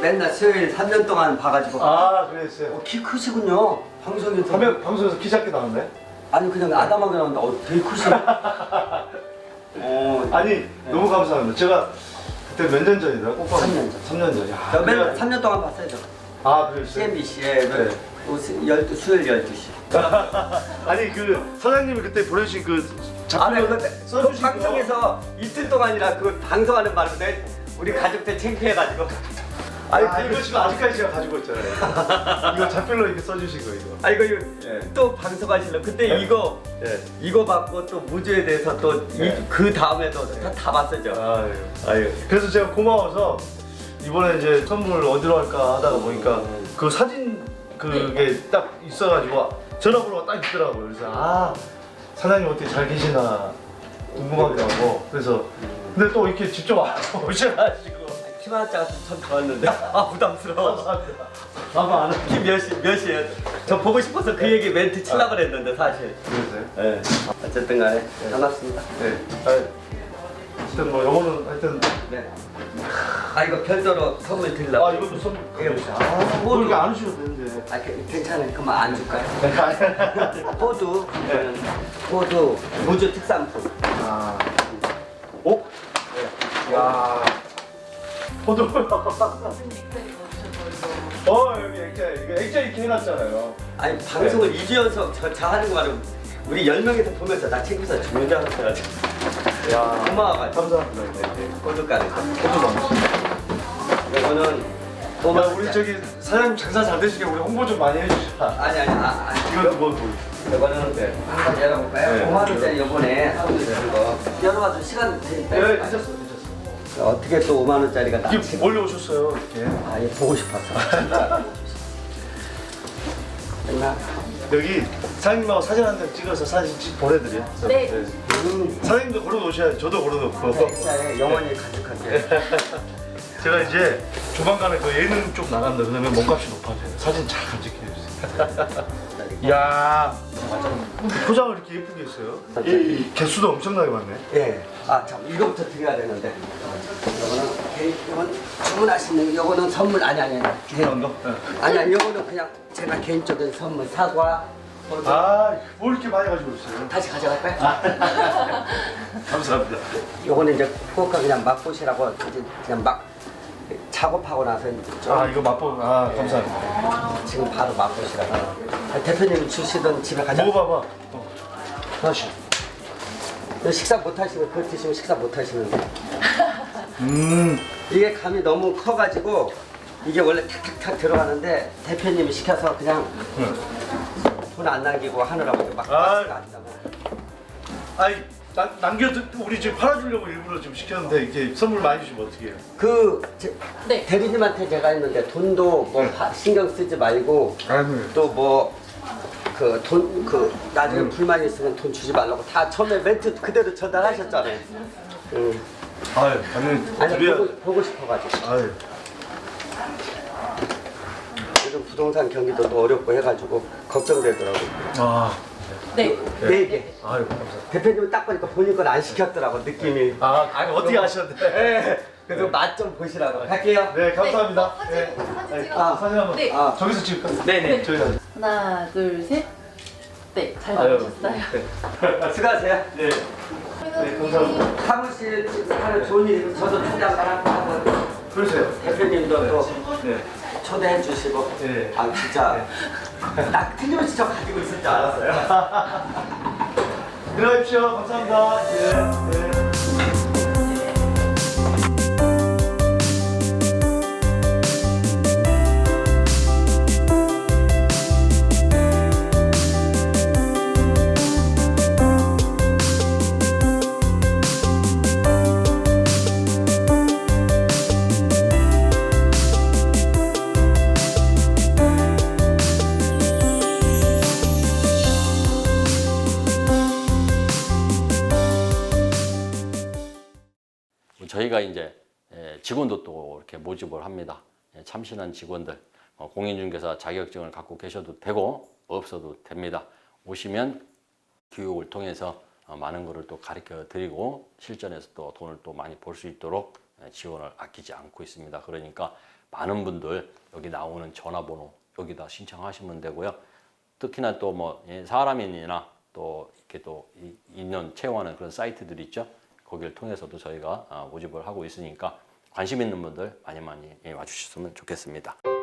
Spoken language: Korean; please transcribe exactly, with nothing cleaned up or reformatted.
맨날 수요일 삼 년 동안 봐가지고. 아 그랬어요. 어, 키 크시군요. 방송에서. 화면 방송에서 키 작게 나왔네. 아니 그냥 아담하게 나온다. 어, 되게 크시네. 어, 아니 네. 너무 감사합니다. 제가 그때 몇 년 전이다? 오빠 삼 년 전. 삼 년 전. 야, 저 맨날 그래가지고- 삼 년 동안 봤어요. 저. 아 그랬어요. 씨엔비씨에 네. 열두 수요일 열두 시. 아니 그 사장님이 그때 보내주신 그 아, 네, 작품을 근데 그 써주신 거. 방송에서 이틀 동안이나 그 방송하는 바람에 우리 가족들 창피해가지고. 아니 아, 이거 지금 아직까지 제가 가지고 있잖아요. 이거 작별로 이렇게 써주신 거 이거. 아 이거, 이거 예. 또 방송하실래? 그때 네. 이거 예. 이거 받고 또 무주에 대해서 또 그 네. 다음에도 다, 다 봤었죠. 아유. 아유. 그래서 제가 고마워서 이번에 이제 선물 어디로 할까 하다가 보니까 그 사진 그게 딱 있어가지고 전화번호가 딱 있더라고요. 그래서 아 사장님 어떻게 잘 계시나 궁금하기도 하고 그래서 근데 또 이렇게 직접 오셔가지고 키만 짜가 참 좋았는데 아 부담스러워. 감사합니다. 아마 안 키 몇시 몇이에요? 저 보고 싶어서 그 얘기 멘트 치려고 그랬는데 사실. 그러세요? 네. 어쨌든 간에 반갑습니다. 네. 아, 하여튼 뭐 요거는 하여튼 네. 아 이거 별도로 선물 드리려고. 아 이것도 선물 이거 아, 뭐 이렇게 안 주셔도 되는데. 아 그- 괜찮아요. 그만 안 줄까요? 네. 호두. 이거는 호두 무주 특산품. 아. 오? 네. 야. 포도. 어 여기 액자 이거 액자 이렇게 해놨잖아요. 아니 방송을 이 주 연속 저, 저 하는 거 말고 우리 열 명이서 보면서 나 챙겨서 죽는 줄 알았어가지고. 야. 고마워가지고. 감사합니다. 네, 네. 호두까지. 포도 많으시네. 이거는 야, 오만 우리 원짜리. 저기 사장님 장사 잘 되시게 우리 홍보 좀 많이 해주시라. 아니 아니 아, 아니. 이건 뭐 뭐. 이거는 네. 한번 열어볼까요? 네. 오만 원짜리 요번에 선물 드린 거 열어봐도 시간 되니까. 네, 괜찮습니다. 괜찮습니다. 어떻게 또 오만 원짜리가 이게 나지? 몰래 오셨어요 이렇게. 아, 얘 보고 싶었어. 진짜. 됐나? 여기 사장님하고 사진 한 장 찍어서 사진 찍 보내드려. 네. 음. 사장님도 걸어놓으셔야지. 저도 걸어놓고. 진짜 영원히 가득할게. 제가 이제 조만간에 그 예능 쪽 나간다 그러면 몸값이 높아져요. 사진 잘 간직해주세요. 이야, 포장을 이렇게 예쁘게 했어요. 이, 이 개수도 엄청나게 많네. 예. 아, 참 이거부터 드려야 되는데. 이거는 개인, 이건 주문하시는 거. 이거는 선물 아니 아니 아니. 주문한 거? 네. 아니 아니 이거는 그냥 제가 개인적인 선물 사과. 호두. 아, 뭘 이렇게 많이 가지고 있어요? 다시 가져갈까요? 감사합니다. 요거는 이제 후쿠오카 그냥 맛보시라고 이제 그냥 막 작업하고 나서 이제 좀 아, 이거 맛보, 아, 감사합니다. 지금 바로 맛보시라고. 아, 대표님이 주시던 집에 가자. 먹어봐봐. 어. 하나씩. 식사 못 하시면 그거 드시면 식사 못 하시는데 음, 이게 감이 너무 커가지고 이게 원래 탁탁탁 들어가는데 대표님이 시켜서 그냥 돈 안 남기고 하느라고 막 아. 박스가 안 남아. 아니, 나, 남겨, 우리 지금 팔아주려고 일부러 좀 시켰는데 이게 선물 많이 주시면 어떻게 해요? 그 제, 네. 대리님한테 제가 했는데 돈도 뭐 네. 파- 신경 쓰지 말고 아유. 또 뭐 그 돈 그 나중에 불만 있으면 돈 주지 말라고 다 처음에 멘트 그대로 전달하셨잖아요. 응. 아유, 당연히 아니 드려야 보고, 보고 싶어가지고 아유. 요즘 부동산 경기도 또 어렵고 해가지고 걱정되더라고. 아, 네. 네 개. 아유, 감사합니다. 대표님은 딱 보니까 본인 건 안 시켰더라고 느낌이. 아, 아니, 어떻게 아셨는데? 네. 그래서 맛 좀 보시라고. 갈게요. 네, 감사합니다. 사진, 네. 사진 네. 찍어. 아, 사진 한번. 네. 아. 저기서 찍을까? 네네. 저희가. 하나, 둘, 셋. 네, 잘 아유, 나오셨어요. 네. 수고하세요. 네. 네, 감사합니다. 사무실 하는 좋은 일 저도 초대 한번 하고 그러세요. 대표님도 또 네. 초대해 주시고. 네. 아 진짜 딱 틀림없이 저 가지고 있을 줄 알았어요. 들어가십시오. 감사합니다. 네. 네. 저희가 이제 직원도 또 이렇게 모집을 합니다. 참신한 직원들, 공인중개사 자격증을 갖고 계셔도 되고 없어도 됩니다. 오시면 교육을 통해서 많은 것을 또 가르쳐 드리고 실전에서 또 돈을 또 많이 벌 수 있도록 지원을 아끼지 않고 있습니다. 그러니까 많은 분들 여기 나오는 전화번호 여기다 신청하시면 되고요. 특히나 또 뭐 사람인이나 또 이렇게 또 인연 채용하는 그런 사이트들 있죠. 거기를 통해서도 저희가 모집을 하고 있으니까 관심 있는 분들 많이 많이 와주셨으면 좋겠습니다.